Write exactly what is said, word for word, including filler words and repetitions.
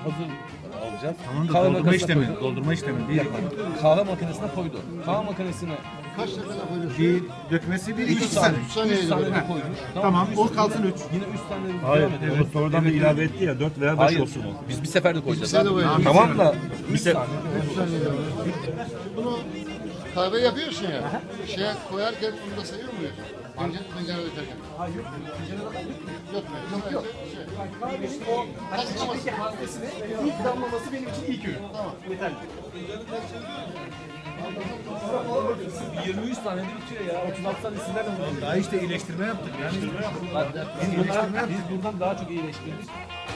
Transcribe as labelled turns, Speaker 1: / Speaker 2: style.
Speaker 1: hazır alacağız.
Speaker 2: Tamam da
Speaker 1: Kahve
Speaker 2: doldurma
Speaker 1: makinesine
Speaker 2: işlemi,
Speaker 1: koyduk.
Speaker 2: doldurma işlemi değil.
Speaker 1: Kahve makinesine koydu. Kahve makinesine
Speaker 3: Kaç dakikada koyuyorsun?
Speaker 2: Bir dökmesi bir
Speaker 1: üç
Speaker 2: iki
Speaker 1: tane,
Speaker 2: saniye.
Speaker 3: üç saniye
Speaker 1: üç tane
Speaker 3: gibi.
Speaker 1: de koyduk.
Speaker 2: Tamam,
Speaker 1: üç
Speaker 2: o
Speaker 1: tane-
Speaker 2: kalsın üç.
Speaker 1: Yine üç tane de
Speaker 4: Hayır,
Speaker 1: devam edelim.
Speaker 4: onu sonradan da ilave etti ya, dört veya beş
Speaker 1: Hayır,
Speaker 4: olsun o.
Speaker 1: biz bir seferde koyacağız.
Speaker 3: seferde
Speaker 1: abi.
Speaker 3: koyacağız.
Speaker 1: Tamam da
Speaker 4: Bir se
Speaker 3: Bunu kahve yapıyorsun ya. Şeye koyarken bunu da sayıyor muyuz? Önce tencere dökerken. Hayır yok. Yok. Yok. Yok.
Speaker 5: O içindeki hazdesine ilk damlaması benim için ilk ürün. Tamam. Yeterli.
Speaker 1: yirmi üç tane de bitiyor ya. otuz altı tane sizlerle mi?
Speaker 2: Daha işte iyileştirme yaptık. Yani
Speaker 1: Biz buradan, biz buradan daha çok iyileştirdik.